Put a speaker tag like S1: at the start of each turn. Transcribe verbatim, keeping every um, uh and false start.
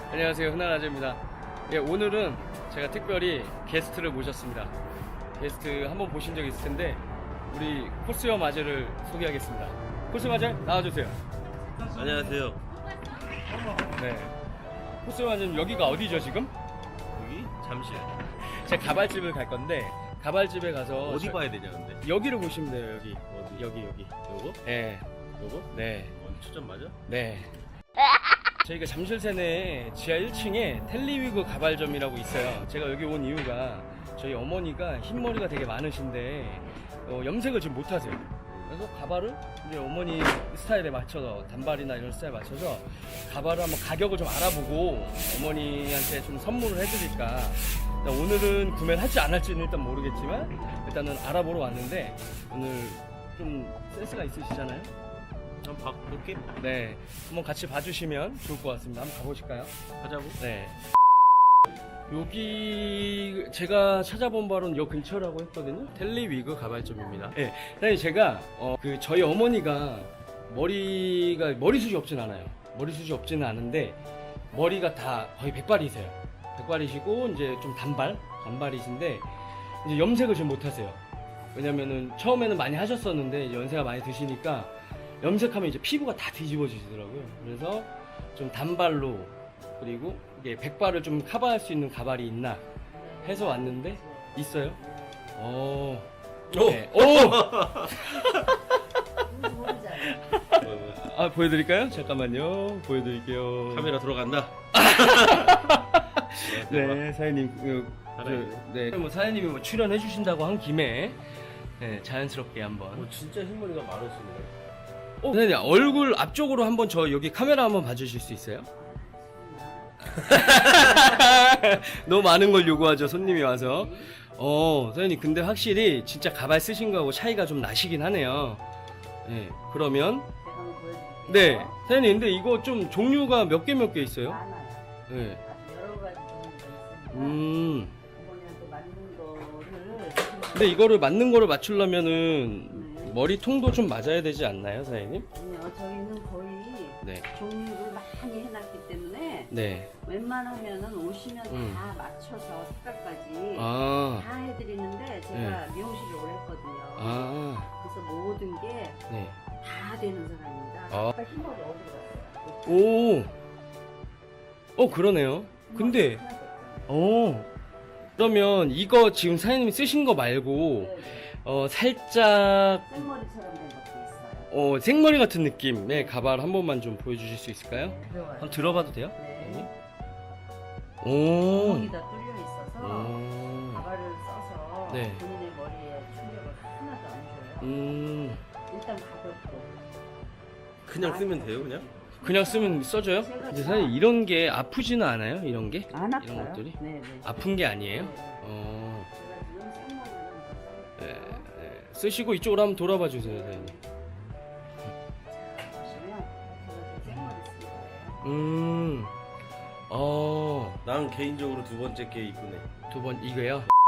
S1: 안녕하세요, 흔한아재입니다. 예, 오늘은 제가 특별히 게스트를 모셨습니다. 게스트 한번 보신 적 있을 텐데 우리 코스염 아재를 소개하겠습니다. 코스염 아재 나와주세요.
S2: 안녕하세요.
S1: 네, 코스염 아재는 여기가 어디죠 지금?
S2: 여기 잠실.
S1: 제가 가발집을 갈 건데 가발집에 가서
S2: 어디
S1: 저-
S2: 봐야 되냐 근데?
S1: 여기를 보시면 돼요. 여기
S2: 어디?
S1: 여기 여기.
S2: 요거?
S1: 네,
S2: 요거?
S1: 네,
S2: 어, 초점 맞아?
S1: 네. 저희가 잠실 세내 지하 일 층에 텔리위그 가발점이라고 있어요. 제가 여기 온 이유가 저희 어머니가 흰머리가 되게 많으신데 어, 염색을 지금 못하세요. 그래서 가발을 이제 어머니 스타일에 맞춰서 단발이나 이런 스타일에 맞춰서 가발을 한번 가격을 좀 알아보고 어머니한테 좀 선물을 해드릴까. 일단 오늘은 구매를 할지 안 할지는 일단 모르겠지만 일단은 알아보러 왔는데 오늘 좀 센스가 있으시잖아요.
S2: 한번 볼게.
S1: 네, 한번 같이 봐주시면 좋을 것 같습니다. 한번 가보실까요?
S2: 가자고.
S1: 네. 여기 제가 찾아본 바로는 요 근처라고 했거든요. 텔리위그 가발점입니다. 네, 사실 제가 어, 그 저희 어머니가 머리가 머리숱이 없진 않아요. 머리숱이 없지는 않은데 머리가 다 거의 백발이세요. 백발이시고 이제 좀 단발, 단발이신데 이제 염색을 지금 못하세요. 왜냐면은 처음에는 많이 하셨었는데 이제 연세가 많이 드시니까 염색하면 이제 피부가 다 뒤집어지더라고요. 그래서 좀 단발로 그리고 이게 백발을 좀 커버할 수 있는 가발이 있나 해서 왔는데 있어요. 어.
S2: 오!
S1: 네. 오! 아, 보여드릴까요? 잠깐만요. 보여드릴게요.
S2: 카메라 들어간다.
S1: 네, 사장님. 그,
S2: 살아있네.
S1: 그, 네. 뭐 사장님이 뭐 출연해 주신다고 한 김에 네, 자연스럽게 한번.
S2: 어, 진짜 흰머리가 많으시네.
S1: 어, 선생님 얼굴 앞쪽으로 한번 저 여기 카메라 한번 봐주실 수 있어요? 너무 많은 걸 요구하죠 손님이 와서. 어, 선생님 근데 확실히 진짜 가발 쓰신 거하고 차이가 좀 나시긴 하네요. 네, 그러면 네, 선생님 근데 이거 좀 종류가 몇 개 몇 개 있어요?
S3: 많아요.
S1: 네.
S3: 여러 가지 종류가 있으니까
S1: 음.
S3: 어머니한테 맞는 거를
S1: 근데 이거를 맞는 거를 맞추려면은 머리통도 좀 맞아야 되지 않나요, 선생님?
S3: 아니요, 저희는 거의
S1: 네.
S3: 종류를 많이 해놨기 때문에
S1: 네.
S3: 웬만하면은 오시면
S1: 음.
S3: 다 맞춰서 색깔까지
S1: 아.
S3: 다 해드리는데 제가 미용실을 오래 했거든요.
S1: 아.
S3: 그래서 모든 게 다
S1: 네.
S3: 되는 사람입니다.
S1: 아.
S3: 아까 흰머리 어디로 갔어요?
S1: 오. 어, 그러네요. 근데 어. 그러면 이거 지금 사장님이 쓰신 거 말고
S3: 네,
S1: 어, 살짝
S3: 생머리처럼 된 것도 있어요.
S1: 어, 생머리 같은 느낌의 가발 한 번만 좀 보여주실 수 있을까요?
S3: 들어와요.
S1: 한번 들어봐도 돼요?
S3: 네.
S1: 오.
S3: 구멍이 다 뚫려 있어서
S1: 오.
S3: 가발을 써서
S1: 네.
S3: 본인의 머리에 충격을 하나도 안 줘요.
S1: 음.
S3: 일단 가볍고
S2: 그냥 쓰면 돼요 그냥?
S1: 그냥 쓰면 써져요? 근데 사실 이런 게 아프지는 않아요? 이런 게?
S3: 안 아파요?
S1: 이런 것들이?
S3: 네네.
S1: 아픈 게 아니에요?
S3: 네.
S1: 어.
S3: 제가 지금 생머리는
S1: 네, 네. 쓰시고 이쪽으로 한번 돌아봐 주세요, 선생님.
S3: 보시면 저는 생머리 쓴 거예요.
S1: 음. 어.
S2: 난 개인적으로 두 번째 게 이쁘네.
S1: 두 번 이거요?